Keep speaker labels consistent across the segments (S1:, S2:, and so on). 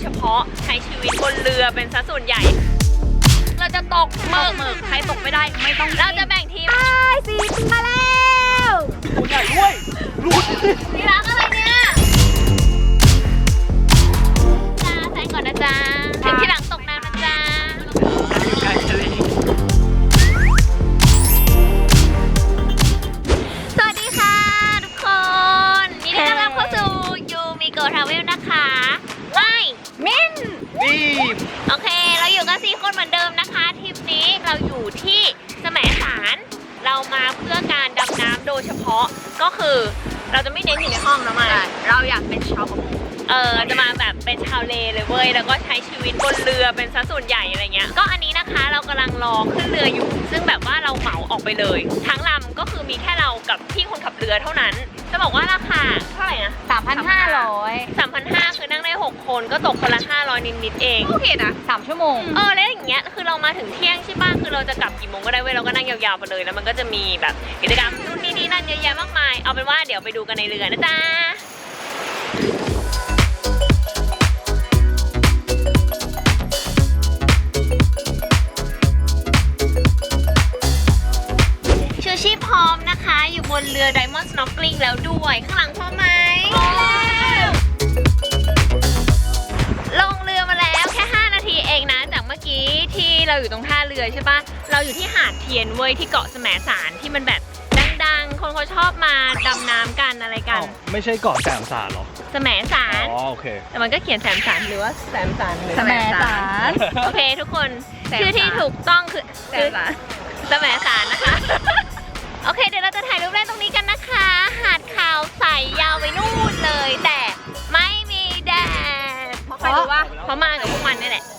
S1: พาะใช้ชีวิตบนเรือเป็นซะส่วนใหญ่เราจะตกหมึกใครตกไม่ได้ไม่ต้องเราจะแบ่งทีม
S2: สิมาแล้ว
S3: ตัวใหญ่ด้วยรูด
S1: นี่รักอะไรเนี่ยจ้าแซงก่อนนะจ๊ะถึงที่หลังตกน้ำนะจ๊ะ
S3: ใช่ทะเล
S1: สวัสดีค่ะทุกคนยินดีต้อนรับเข้าสู่ยูมิโกะทราเวลนะคะว้ายมินโอเคเราอยู่กัน4 คนเหมือนเดิมนะคะทริปนี้เราอยู่ที่แสมสารเรามาเพื่อการดำน้ำโดยเฉพาะก็คือเราจะไม่เน้นอยู่ในห้องนะมาเราอยากเป็นชาวประมงจะมาแบบเป็นชาวเลเลยเว้ยแล้วก็ใช้ชีวิตบนเรือเป็นซะส่วนใหญ่อะไรเงี้ยก็อันนี้นะคะเรากำลังรอขึ้นเรืออยู่ซึ่งแบบว่าเราเหมาออกไปเลยทั้งลำก็คือมีแค่เรากับพี่คนขับเรือเท่านั้นจะบอกว่าราคาเท่าไหร่นะ
S2: 3,500
S1: คือนั่งได้6 คนก็ตกคนละ500นิดๆเอง
S2: โอเคนะ3 ชั่วโมง
S1: แล้วอย่างเงี้ยคือเรามาถึงเที่ยงใช่ป่ะคือเราจะกลับกี่โมงก็ได้เว้ยเราก็นั่งยาวๆไปเลยแล้วมันก็จะมีแบบกิจกรรมนู่นนี่นั่นเยอะแยะมากมายเอาเป็นว่าเดี๋ยวไปดูกันในเรือนะจ๊ะชูชีพพร้อมนะคะอยู่บนเรือ Diamond Snorkeling แล้วด้วยข้างหลังพร้อมไหมลงเรือมาแล้วแค่5 นาทีเองนะจากเมื่อกี้ที่เราอยู่ตรงท่าเรือใช่ปะเราอยู่ที่หาดเทียนเว้ยที่เกาะแสมสารที่มันแบบดังๆคนเขาชอบมาดำน้ำกันอะไรกัน
S3: ไม่ใช่เกาะแสมสารหรอ
S1: แสมสาร
S3: อ๋อโอเค
S1: แต่มันก็เขียนแสมสารหรือว่าแสมสารหรือ
S2: แสมสาร
S1: โอเคทุกคนชื่อที่ถูกต้องคือแสมสารนะคะโอเคเดี๋ยวเราจะถ่ายรูปเล่นตรงนี้กันนะคะหาดขาวใสยาวไปนู่นเลยแต่ไม่มีแดดเพราะใครรู้ว่าเพราะมากับพวกมันนี่แหละ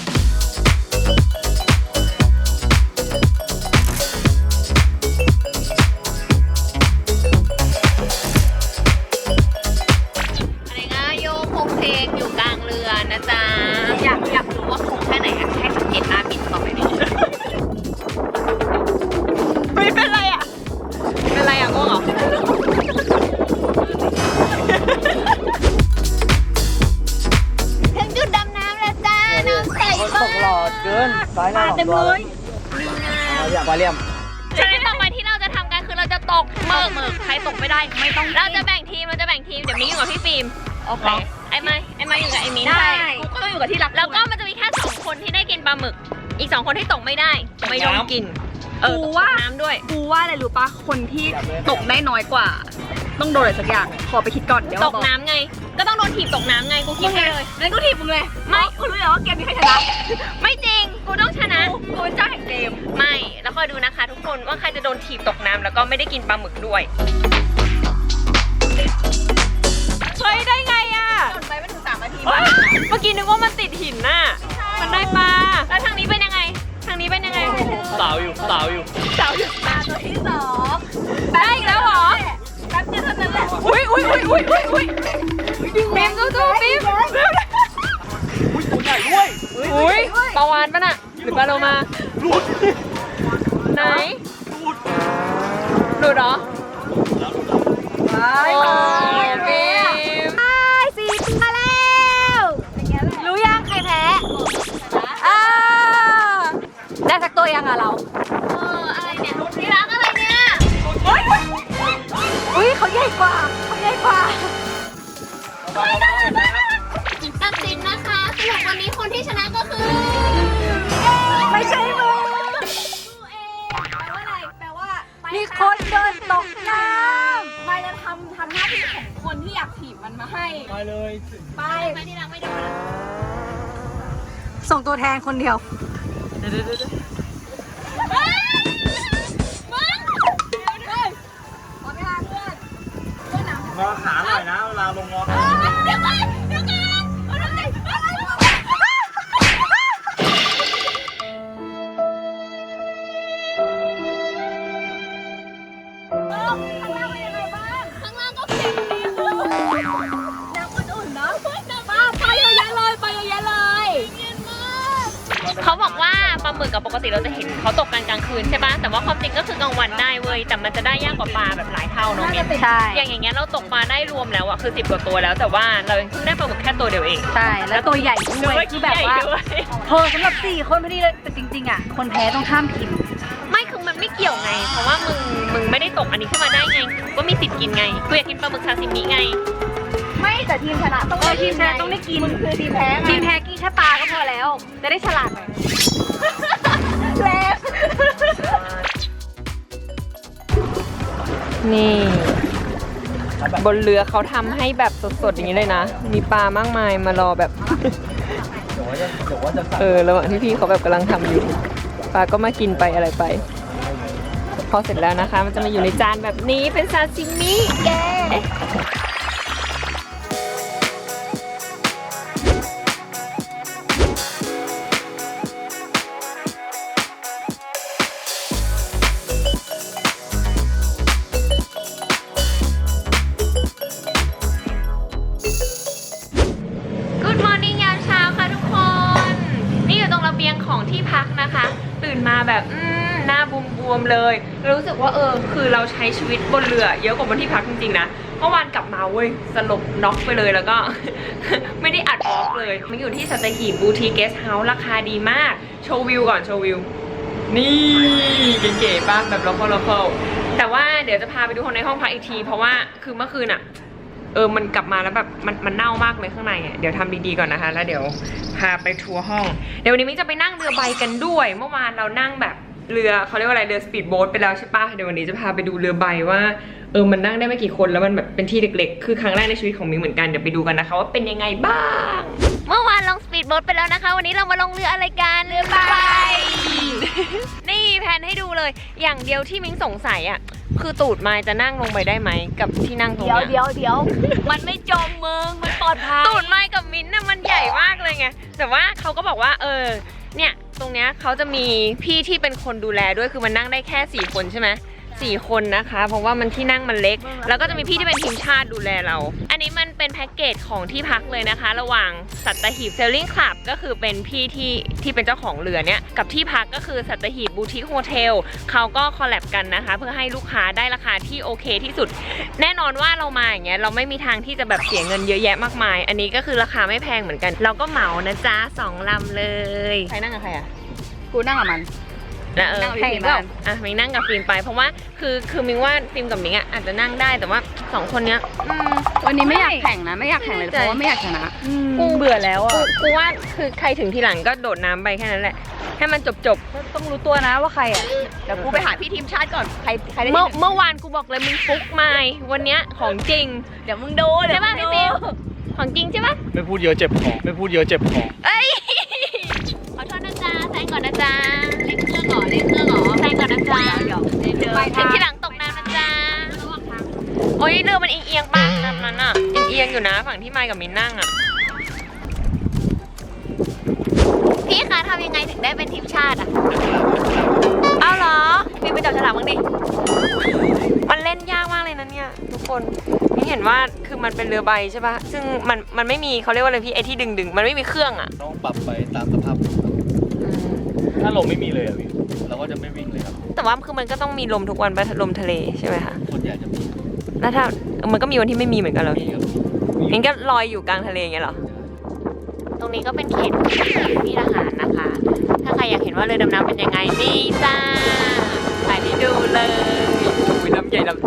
S1: อะไรนะโยกโคเพลงอยู่กลางเรือนะจ๊ะอยากรู้ว่าคงแค่ไหนอะให้สังเกตหน้าบินต่อไปดิไม่เป็นไรอะเป็นไรอะง่วงเหรอถึงจุดดำน้ำแล้วจ้าน้ำใสมาก
S3: หลอดเกินสายหน้าเต็มเลยปลาเลี่ยม
S1: ฉะนั้นต่อไปที่เราจะทำกันคือเราจะตกหมึกใครตกไม่ได้ไม่ต้องเราจะแบ่งทีมเดี๋ยวมิ้งอยู่กับพี่ฟิล์มโอเคไอ้ไม้อยู่กับไอ้มิ้นได้กูก็ต้องอยู่กับที่รักแล้วก็มันจะมีแค่2 คนที่ได้กินปลาหมึกอีก2 คนที่ตกไม่ได้ไม่ต้องกิน
S2: กูว่า
S1: น้ำด้วย
S2: กูว่าอะไรรู้ปะคนที่ตกได้น้อยกว่าต้องโดนอะไรสักอย่างขอไปคิดก่อนเดี๋ยว
S1: ตกน้ำไงก็ต้องโดนถีบตกน้ำไงกูคิดไปเลย
S2: งั้นกูถีบมึงเลยไม่กูรู้แล้วว่าเกมนี้ใครชนะ
S1: ไม่จริงกูต้องชนะ
S2: กูเป็นเจ้าแห่งเกม
S1: ไม่แล้วคอยดูนะคะทุกคนว่าใครจะโดนถีบตกน้ำแล้วก็ไม่ได้กินปลาหมึกด้วยเฮ้ยได้ไงอ่ะ
S2: โดนไปไม่ถึง3 นาที
S1: เมื่อกี้นึกว่ามันติดหินน่ะมันได้ปลาแล้วทางนี้เป็นยังไงทางนี้เป็นยังไง
S3: สาวอยู่
S2: ปลาตัวที่2
S1: ได้อีกแล้วเหรอ
S2: แป๊บเดียวเท่านั้นแหละ
S1: อุ้ยฟิล์มสู้ๆฟิล์ม
S3: ตัวใหญ่ด้วย
S1: อุ้ยปลาวานป่ะน่ะหรือปลาโลมา
S3: หลุด
S1: ไหนหลุดเหรอ
S2: ไป
S1: ฟิล์ม
S2: สิมาแล้วรู้ยังใครแพ้ได้สักตัวยังอะเรา
S1: อะไรเนี่ยที่รักอะไรเนี่ย
S2: อุ้ยเขาใหญ่กว่า
S1: ตัดสินนะคะสำหรับวันนี้คนที่ชนะก็คือ
S2: ไม่ใช่มึงแปลว่ามีคนเดินตกน้ำไม่จะทำหน้าที่ของคนที่อยากถีบมันมาให้
S3: ไปเลย
S2: ไป
S1: ที่รักไม่โดน
S2: ส่งตัวแทนคนเดียว
S3: งอขาหน่อยนะเวลาลงงอขา
S1: เดี๋ยวก่อนข้างล่างก็เข็มดีเลยน้ำอุ่นๆเนาะไปเยอะแยะเลยเขาบอกว่าปลาหมึกกับปกติเราจะเห็นเขาตกกันกลางคืนใช่ปะแต่ว่าความจริงก็คือกลางวันได้เว้ยแต่มันจะได้ยากกว่าปลาแบบหลายเท่าเนาะเมน
S2: ใช่
S1: อย่างเงี้ยเราตกปลาได้รวมแล้วอะคือ10 กว่าตัวแล้วแต่ว่าเรายังเพิ่งได้ปลาหมึกแค่ตัวเดียวเอง
S2: ใช่แล้วตัวใหญ่ด้วยคือแบบว่า
S1: ด้วย
S2: เธอสำหรับ4 คนพอดีเลยแต่จริงๆอ่ะคนแพ้ต้องห้ามกิน
S1: ไม่คือมันไม่เกี่ยวไง เพราะว่ามึงไม่ได้ตกอันนี้ขึ้นมาได้ไงก็มีสิทธิ์กินไงกูอยากกินปลาหมึกซาซิมิไง
S2: ไม่แต่ทีมชนะต้องทีมชนะต้องได้กินคือทีมแพ้ทีมแพ้กินแค่ปลาก็พอแล้วจะได้ฉลาดหน่อยแล้ว
S1: นี่บนเรือเขาทำให้แบบสดๆอย่างนี้เลยนะมีปลามากมายมารอแบบระหว่างที่พี่เขาแบบกำลังทำอยู่ปลาก็มากินไปอะไรไปพอเสร็จแล้วนะคะมันจะมาอยู่ในจานแบบนี้เป็นซาซิมิแกของที่พักนะคะตื่นมาแบบหน้าบวมๆเลยรู้สึกว่าคือเราใช้ชีวิตบนเรือเยอะกว่าบนที่พักจริงๆนะเมื่อวานกลับมาเว้ยสลบน็อกไปเลยแล้วก็ ไม่ได้อัดออกเลยมันอยู่ที่สัตหีบบูทีเกสเฮาส์ราคาดีมากโชว์วิวก่อนโชว์วิวนี่เก๋ๆป่ะแบบโลคอลแต่ว่าเดี๋ยวจะพาไปดูคนในห้องพักอีกทีเพราะว่าคือเมื่อคืนอะมันกลับมาแล้วแบบมันเน่ามากเลยข้างในอ่ะเดี๋ยวทำดีๆก่อนนะคะแล้วเดี๋ยวพาไปทัวร์ห้องเดี๋ยววันนี้มิ้งจะไปนั่งเรือใบกันด้วยเมื่อวานเรานั่งแบบเรือเขาเรียกว่าอะไรเรือสปีดโบ๊ทไปแล้วใช่ปะเดี๋ยววันนี้จะพาไปดูเรือใบว่ามันนั่งได้ไม่กี่คนแล้วมันแบบเป็นที่เล็กๆคือครั้งแรกในชีวิตของมิ้งเหมือนกันเดี๋ยวไปดูกันนะคะว่าเป็นยังไงบ้างเมื่อวานลงสปีดโบ๊ทไปแล้วนะคะวันนี้เรามาลงเรืออะไรกันเรือใบ นี่แพนให้ดูเลยอย่างเดียวที่มิ้งสงสัยอ่ะคือตูดไม้จะนั่งลงไปได้ไหมกับที่นั่งตรงเนี้ยเดี๋ยวมันไม่จมมึงมันปลอดภัยตูดไม้กับมิ้นน่ะมันใหญ่มากเลยไงแต่ว่าเขาก็บอกว่าเนี่ยตรงเนี้ยเขาจะมีพี่ที่เป็นคนดูแลด้วยคือมันนั่งได้แค่4 คนใช่ไหม4 คนนะคะเพราะว่ามันที่นั่งมันเล็กแล้วก็จะมีพี่ที่เป็นทีมชาติดูแลเราอันนี้มันเป็นแพ็กเกจของที่พักเลยนะคะระหว่างสัตหีบเซลลิ่งคลับก็คือเป็นพี่ที่เป็นเจ้าของเรือเนี้ยกับที่พักก็คือสัตหีบบูติกโฮเทลเขาก็คอลแลบกันนะคะเพื่อให้ลูกค้าได้ราคาที่โอเคที่สุดแน่นอนว่าเรามาอย่างเงี้ยเราไม่มีทางที่จะแบบเสียเงินเยอะแยะมากมายอันนี้ก็คือราคาไม่แพงเหมือนกันเราก็เหมานะจ๊ะ2 ลำเลยใครนั่งกับใครอ่ะ
S2: กูนั่งกับมัน
S1: แล้วให้แบบมิงนั่งกับฟิล์มไปเพราะว่าคือมิงว่าฟิล์มกับมิงอ่ะอาจจะนั่งได้แต่ว่า2 คนเนี้ย
S2: วันนี้ไม่อยากแข่งนะไม่อยากแข่งเลยเพราะว่าไม่อยากชนะ
S1: กูเบื่อแล้วอ่ะกูว่าคือใครถึงทีหลังก็โดดน้ำไปแค่นั้นแหละให้มันจบ
S2: ต้องรู้ตัวนะว่าใครอ่ะเดี๋ยวกูไปหาพี่ทีมชาติก่อนใครได้
S1: เมื่อวานกูบอกเลยมึงฟุกมาวันเนี้ยของจริง
S2: เดี๋ยวมึงดูใช่ป่ะพี่ฟิล์ม
S1: ของจริงใช่ป่ะ
S3: ไม่พูดเยอะเจ็บคอไม่พูดเยอะเจ็บคอ
S1: เอ้ยขอโทษนะจ๊ะแซงก่อนนะจ๊ะเล่นเครื่องหรอแซงก่อนนะจ๊ะถึงที่หลังตกน้ำนะจ๊ะโอ้ยเรือมันเอียงๆป่ะน้ำนั้นอ่ะเอียงอยู่นะฝั่งที่ไมค์กับมินนั่งอ่ะพี่คะทำยังไงถึงได้เป็นทีมชาติอ่ะเอาเหรอมีไปจับฉลากบ้างดิมันเล่นยากมากเลยนะเนี่ยทุกคนนี่เห็นว่าคือมันเป็นเรือใบใช่ป่ะซึ่งมันไม่มีเขาเรียกว่าอะไรพี่ไอที่ดึงมันไม่มีเครื่องอ่ะ
S3: ต้องปรับไปตามสภาพถ้าลมไม่มีเลยอ่ะพี่เราก็จะไม่วิ่งเลยครับ
S1: แต่ว่าคือมันก็ต้องมีลมทุกวันไปลมทะเลใช่ไหมคะ
S3: ส่วนใหญ่จะมี
S1: แล้วถ้ามันก็มีวันที่ไม่มีเหมือนกันเหรองั้นก็ลอยอยู่กลางทะเลอย่างเงี้ยเหรอตรงนี้ก็เป็นเขตพี่ทหารนะคะถ้าใครอยากเห็นว่าเรือดำน้ำเป็นยังไงนี่จ้าถ่ายให้ดูเลยวิลำใหญ่ลำโต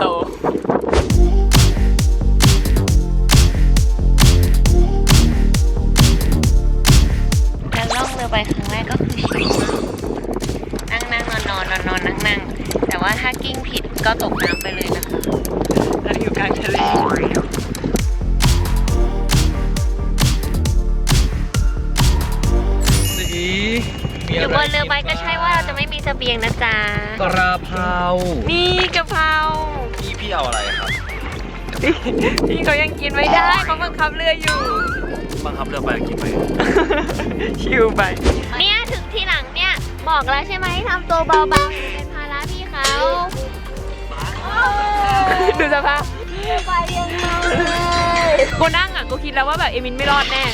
S1: แล้วล่องเรือไปครั้งแรกก็คือชิลนั่งนอนนั่งแต่ว่าถ้ากิ้งผิดก็ตกน้ำไปเลยนะคะเราอยู่กลางทะเลอยู่บนเรือใบก็ใช่ว่าเราจะไม่มีเสบียงนะจ๊ะ
S3: กระเพรา
S1: นี่กะเพรา
S3: พี่เอาอะไรครับ
S1: พี่เขายังกินไม่ได้เขาบังคับเรืออยู่
S3: บังคับเรือไปกินไป
S1: ชิวไปเนี่ยถึงที่หลังเนี่ยบอกแล้วใช่ไหมทำตัวเบาๆเป็นภาระพี่เขาดูสภาพไปยังไงกูนั่งอ่ะกูคิดแล้วว่าแบบเอมินไม่รอดแน่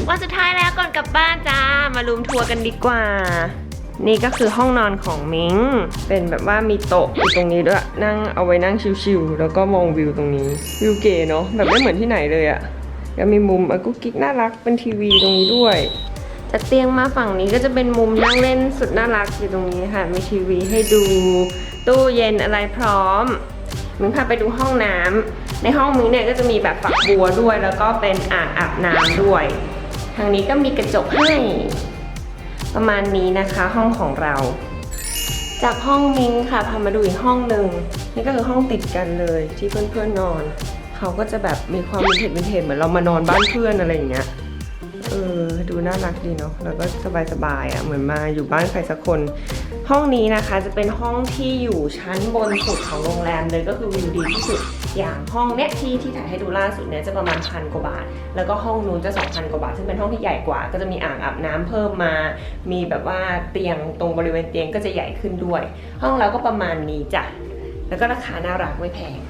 S1: วันสุดท้ายแล้วก่อนกลับบ้านจ้ามารูมทัวร์กันดีกว่านี่ก็คือห้องนอนของมิงเป็นแบบว่ามีโต๊ะอยู่ตรงนี้ด้วยนั่งเอาไว้นั่งชิลๆแล้วก็มองวิวตรงนี้วิวเก๋เนาะแบบไม่เหมือนที่ไหนเลยอะแล้วมีมุมกุ๊กกิ๊กน่ารักเป็นทีวีตรงนี้ด้วยจากเตียงมาฝั่งนี้ก็จะเป็นมุมนั่งเล่นสุดน่ารักอยู่ตรงนี้ค่ะมีทีวีให้ดูตู้เย็นอะไรพร้อมมิงพาไปดูห้องน้ำในห้องมิงเนี่ยก็จะมีแบบฝักบัวด้วยแล้วก็เป็นอ่างอาบน้ำด้วยทางนี้ก็มีกระจกให้ประมาณนี้นะคะห้องของเราจากห้องมิงค่ะพามาดูอีกห้องหนึ่งนี่ก็คือห้องติดกันเลยที่เพื่อนๆนอนเขาก็จะแบบมีความวินเทจเหมือนเรามานอนบ้านเพื่อนอะไรอย่างเงี้ยดูน่ารักดีเนาะแล้วก็สบายๆอ่ะเหมือนมาอยู่บ้านใครสักคนห้องนี้นะคะจะเป็นห้องที่อยู่ชั้นบนสุดของโรงแรมเลยก็คือวิวดีที่สุดอย่างห้องเนี้ยที่ถ่ายให้ดูล่าสุดเนี้ยจะประมาณ1,000 กว่าบาทแล้วก็ห้องนู้นจะ2,000 กว่าบาทซึ่งเป็นห้องที่ใหญ่กว่าก็จะมีอ่างอาบน้ำเพิ่มมามีแบบว่าเตียงตรงบริเวณเตียงก็จะใหญ่ขึ้นด้วย ห้องเราก็ประมาณนี้จ้ะแล้วก็ราคาน่ารักไม่แพง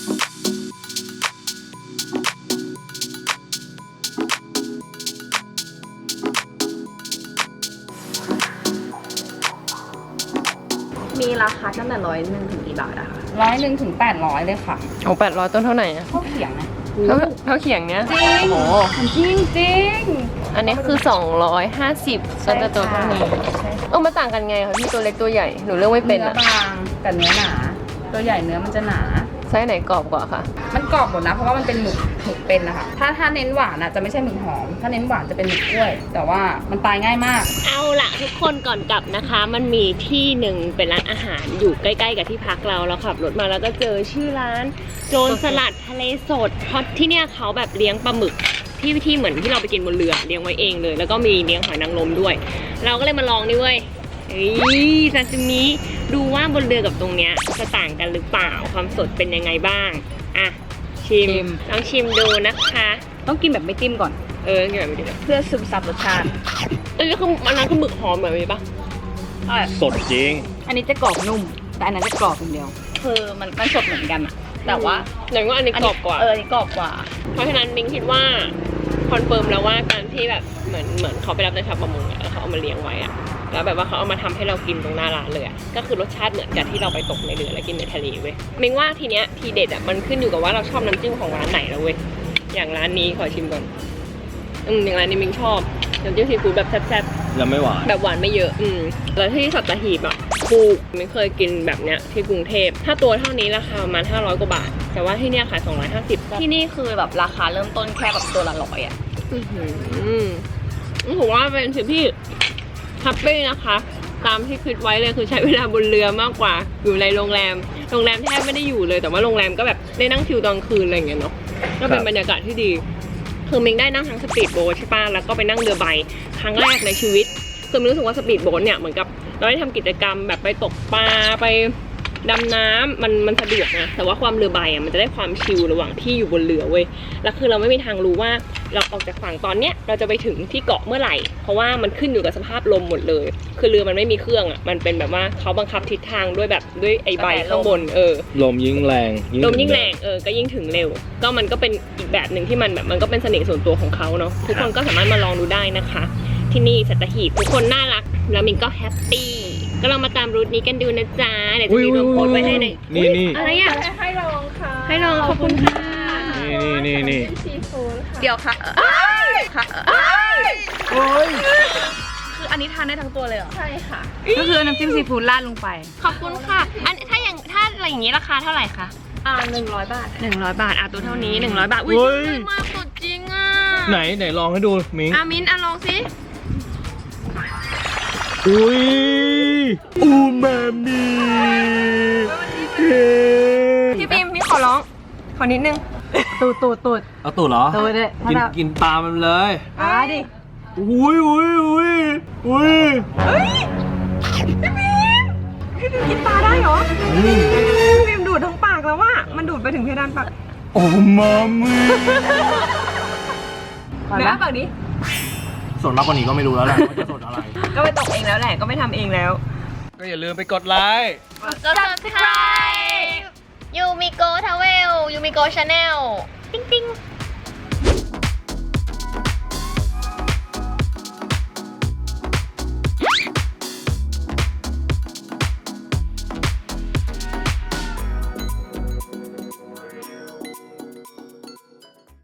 S2: มีราคาตั้งแต่101 ถึงกี่บาทอะคะ
S4: 100 ถึง 800 เลยค่ะ
S1: ของ800ต้นเท่าไหร่อะ
S4: ข้าวเขียงนะ
S1: เท่าเขียงเนี้ย
S4: จริง
S1: โอ้
S4: จริงจริง
S1: อันนี้คือ250ก็จะตัวเท่านี้มันต่างกันไงคะพี่ตัวเล็กตัวใหญ่หนูเลือกไม่เป็น
S4: เนื้
S1: อะ
S4: อบางกับเนื้อหนา ตัวใหญ่เนื้อมันจะหนา
S1: ไส้ไหนกรอบกว่าคะ
S4: มันกรอบหมดนะเพราะว่ามันเป็นหมึกเป็นนะคะถ้าเน้นหวานอะจะไม่ใช่หมึกหอม ถ้าเน้นหวานจะเป็นหมึกกล้วย แต่ว่ามันตายง่ายมาก
S1: เอาล่ะทุกคนก่อนกลับนะคะ มันมีที่หนึ่งเป็นร้านอาหารอยู่ใกล้ๆกับที่พักเราขับรถมาแล้วก็เจอชื่อร้านโจรสลัดทะเลสดเพราะที่เนี่ยเขาแบบเลี้ยงปลาหมึกที่เหมือนที่เราไปกินบนเรือเลี้ยงไว้เองเลยแล้วก็มีเลี้ยงหอยนางรมด้วยเราก็เลยมาลองนี่เว้ยซาซิมิดูว่าบนเรือกับตรงเนี้ยจะต่างกันหรือเปล่าความสดเป็นยังไงบ้างอ่ะชิมลองชิมดูนะคะ
S4: ต้องกินแบบไม่จิ้มก่อน
S1: กินแบบนี้
S4: เพื่อซึมซับรสชาติ
S1: อันนี้คืออันนั้นคือหมึกหอมแบบนี้ปะ
S3: สดจริง
S4: อันนี้จะกรอบนุ่ม แต่อันนั้นจะกรอบอย่างเดียว คือมันสดเหมือนกันอะแต่ว่า
S1: อย่างว่าอันนี้กรอบกว่า
S4: อันนี้กรอบกว่า
S1: เพราะฉะนั้นมิงคิดว่าคอนเฟิร์มแล้วว่าการที่แบบเหมือนเขาไปรับในชาวประมงแล้วเขาเอามาเลี้ยงไว้อะแล้วแบบว่าเขาเอามาทำให้เรากินตรงหน้าร้านเลยอะก็คือรสชาติเหมือนกับที่เราไปตกในเรือแล้วกินในทะเลเว้ยมิงว่าทีเนี้ยทีเด็ดอะมันขึ้นอยู่กับว่าเราชอบน้ำจิ้มของร้านไหนแล้วเว้ยอย่างร้านนี้ขอชิมก่อนอย่างร้านนี้มิงชอบน้ำจิ้มซีฟู้ดแบบแซ่บๆ
S3: แล้วไม่หวาน
S1: แบบหวานไม่เยอะแล้วที่สัตหีบอ่ะถูกไม่เคยกินแบบเนี้ยที่กรุงเทพถ้าตัวเท่านี้ราคาประมาณ500 กว่าบาทแต่ว่าที่เนี้ยขาย250
S4: ที่นี่คือแบบราคาเริ่มต้นแค่แบบตัวละ100อะ
S1: ผมว่าเป็นสิ่งที่แฮปปี้นะคะตามที่คิดไว้เลยคือใช้เวลาบนเรือมากกว่าอยู่ในโรงแรมแทบไม่ได้อยู่เลยแต่ว่าโรงแรมก็แบบได้นั่งชิลตอนคืนอะไรอย่างเงี้ยเนาะก็เป็นบรรยากาศที่ดีคือมิงได้นั่งทั้งสปีดโบ๊ทใช่ป่ะแล้วก็ไปนั่งเรือใบครั้งแรกในชีวิตคือมิงรู้สึกว่าสปีดโบ๊ทเนี่ยเหมือนกับเราได้ทำกิจกรรมแบบไปตกปลาไปดำน้ำมันสะดวกนะแต่ว่าความเรือใบอ่ะมันจะได้ความชิลระหว่างที่อยู่บนเรือเว้ยแล้วคือเราไม่มีทางรู้ว่าเราออกจากฝั่งตอนเนี้ยเราจะไปถึงที่เกาะเมื่อไหร่เพราะว่ามันขึ้นอยู่กับสภาพลมหมดเลยคือเรือมันไม่มีเครื่องอ่ะมันเป็นแบบว่าเขาบังคับทิศทางด้วยไอ้ใบข้างบน
S3: ลมยิ่งแรง
S1: ลมยิ่งแรงก็ยิ่งถึงเร็วก็มันก็เป็นอีกแบบหนึ่งที่มันแบบมันก็เป็นเสน่ห์ส่วนตัวของเขาเนาะทุกคนก็สามารถมาลองดูได้นะคะที่นี่สัตหีบทุกคนน่ารักแล้วมินก็แฮปปี้ก็ลองมาตามรูทนี้กันดูนะจ๊ะเดี๋ยวจะมีรูปโพสต์ไว้ให้ใน
S3: นี่
S1: อะไรอ่ะ
S2: ให้ลองค่ะ
S1: ให้ลองขอบคุณค่ะ
S3: นี่
S2: ซีฟู้ดค่ะ
S4: เดี๋ยวค่ะค่ะ
S3: โอ้ย
S4: คืออันนี้ทานได้ทั้งตัวเลยเหรอ
S2: ใช่ค่ะ
S4: ก็คือน้ำจิ้มซีฟู้ดราดลงไป
S1: ขอบคุณค่ะอันถ้าอะไรอย่างนี้ราคาเท่าไหร่คะ
S2: 100 บาท
S1: 100 บาทตัวเท่านี้100 บาทอุ้ยจริงมากสดจริงอ่ะ
S3: ไหนลองให้ดูมิ้ง
S1: มินลองสิ
S3: อุ้ยอูมามิ
S1: พี่ปิมพี่ขอร้องขอนิดนึง
S4: ตูด
S3: เอาตูดเหรอ
S4: ตูดเลย
S3: กินปลามันเลย
S4: ดิ
S3: อุ้ย
S2: พี่ปิมกินปลาได้เหรอพี่ปิมดูดทั้งปากแล้วว่ามันดูดไปถึงเพดานปาก
S3: โอ้มามิ
S2: เนื้อปากนี้
S3: สดมากกว่านี้ก็ไม่รู้แล้วแหละว่าจะสดอะไร
S2: ก็ไปตกเองแล้วแหละก็ไม่ทำเองแล้ว
S3: ก็อย่าลืมไปกดไลค์
S1: กด subscribe ยูมิโกทาวเวลยูมิโกชาแนลติ๊ง